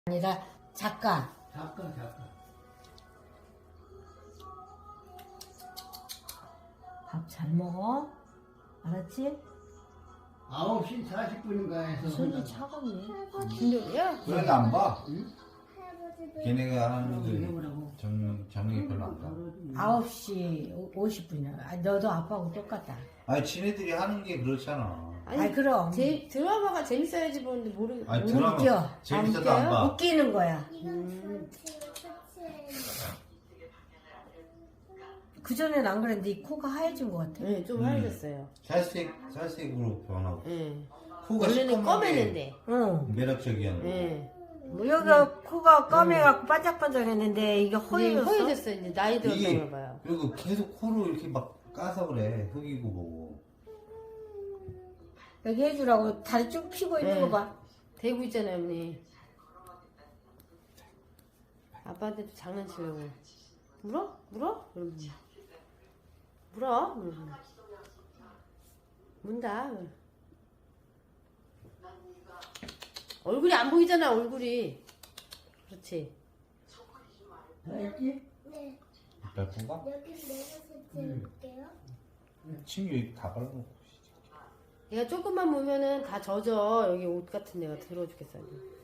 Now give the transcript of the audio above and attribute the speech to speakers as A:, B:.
A: 아니라 작가.
B: 작가.
A: 밥 잘 먹어. 알았지?
B: 9시 40분인가 해서.
A: 손이 차갑네.
C: 진짜야?
D: 그런 거 안 봐?
B: 응?
D: 걔네가 하는 게
B: 해보라고.
D: 정리 별로 안 봐.
A: 9시 50분이야. 너도 아빠하고 똑같다.
D: 아니 지네들이 하는 게 그렇잖아.
A: 아니, 그럼.
C: 드라마가 재밌어야지 보는데
D: 아니
A: 못
D: 드라마
A: 웃겨.
D: 재밌어도 안 봐.
A: 웃기는 거야. 그전엔 안 그랬는데 이 코가 하얘진 것 같아.
C: 네, 좀 하얘졌어요.
D: 살색으로 변하고
C: 네.
D: 코가
C: 원래는
D: 시커먼 게
C: 검했는데.
A: 응.
D: 매력적이었는데.
C: 네.
A: 뭐 여기가 코가 까매갖고 반짝반짝했는데 이게 허해졌어.
C: 허해졌어요. 이제 나이
D: 이게
C: 들었나 봐요.
D: 그리고 계속 코로 이렇게 막 까서 그래. 흑이고 뭐고.
A: 여기 해주라고 다리 쭉 펴고 있는
C: 네.
A: 거 봐.
C: 대고 있잖아요, 언니. 아빠한테도 장난치려고. 물어? 이러면서. 물어? 이러면서. 문다. 얼굴이 안 보이잖아, 얼굴이. 그렇지.
B: 알지?
E: 네,
D: 이빨 뽑아?
E: 여기 내가 설치해볼게요.
D: 친구 여기 다 발라놓고.
C: 얘가 조금만 보면은 다 젖어. 여기 옷 같은 데가 더러워 죽겠어요.